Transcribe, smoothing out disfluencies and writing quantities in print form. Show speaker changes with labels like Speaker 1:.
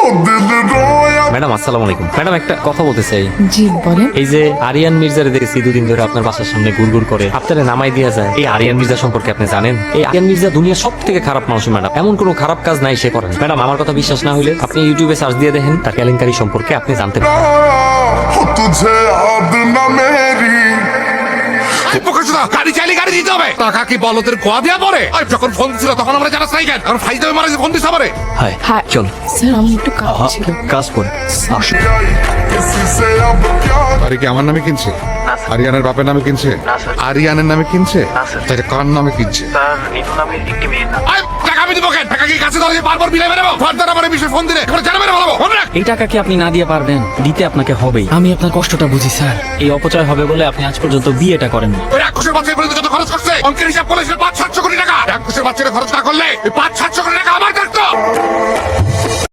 Speaker 1: Madam আসসালামু আলাইকুম। Madam একটা কথা বলতে চাই।
Speaker 2: জি বলেন।
Speaker 1: এই যে আরিয়ান মির্জারে দেখেছি দুদিন ধরে আপনার বাসার সামনে গুড়গুড় করে, আপনারা নামাই দিয়া যায়। এই আরিয়ান মির্জা সম্পর্কে আপনি জানেন? এই আরিয়ান মির্জা দুনিয়ার সব থেকে খারাপ মানুষ ম্যাডাম, এমন কোনো খারাপ কাজ নাই সে করেন। ম্যাডাম আমার কথা বিশ্বাস না হলে আপনি ইউটিউবে সার্চ দিয়ে দেখেন, তার কেলেঙ্কারি সম্পর্কে আপনি জানতে পারবেন।
Speaker 3: तुझे याद न मेरी
Speaker 4: গাড়ি চাইলে গাড়ি দিতে হবে। টাকা কি বলদের খোয়া দেওয়া পরে? যখন ফোন ছিল তখন আমরা জানাস নাই কেন? এখন ফাইজে মারা ফোন দিতে পারে।
Speaker 1: হাই
Speaker 2: হ্যাঁ
Speaker 1: চল
Speaker 2: স্যার আমার একটু কাজ ছিল।
Speaker 1: কাজ করে আসুন।
Speaker 3: किसी से अब क्या
Speaker 4: গাড়ি কি আমার নামে কিনছে? আরিয়ানের বাপের নামে কিনছে? আরিয়ানের নামে কিনছে? তাহলে কার নামে কিনছে? টাকা আমি দিব কেন? টাকা কি কাছে ধরে বারবার বিলে বেরোবো? ফার্দার আমার এই বিষয়ে ফোন দিলে এবার জানা মেরে বলবো। মনে রাখ।
Speaker 5: এই টাকা কি আপনি না দিয়ে পারবেন? দিতে আপনাকে হবেই। আমি আপনার কষ্টটা বুঝি স্যার। এই অপচয় হবে বলে আপনি আজ পর্যন্ত বিয়েটা করেননি।
Speaker 4: ওই রাক্ষসের বাচ্চা পর্যন্ত যত খরচ করছে অঙ্কের হিসাব করলে 500-700 কোটি টাকা। রাক্ষসের বাচ্চারা খরচ না করলে 500-700 কোটি টাকা আমার থাকতো।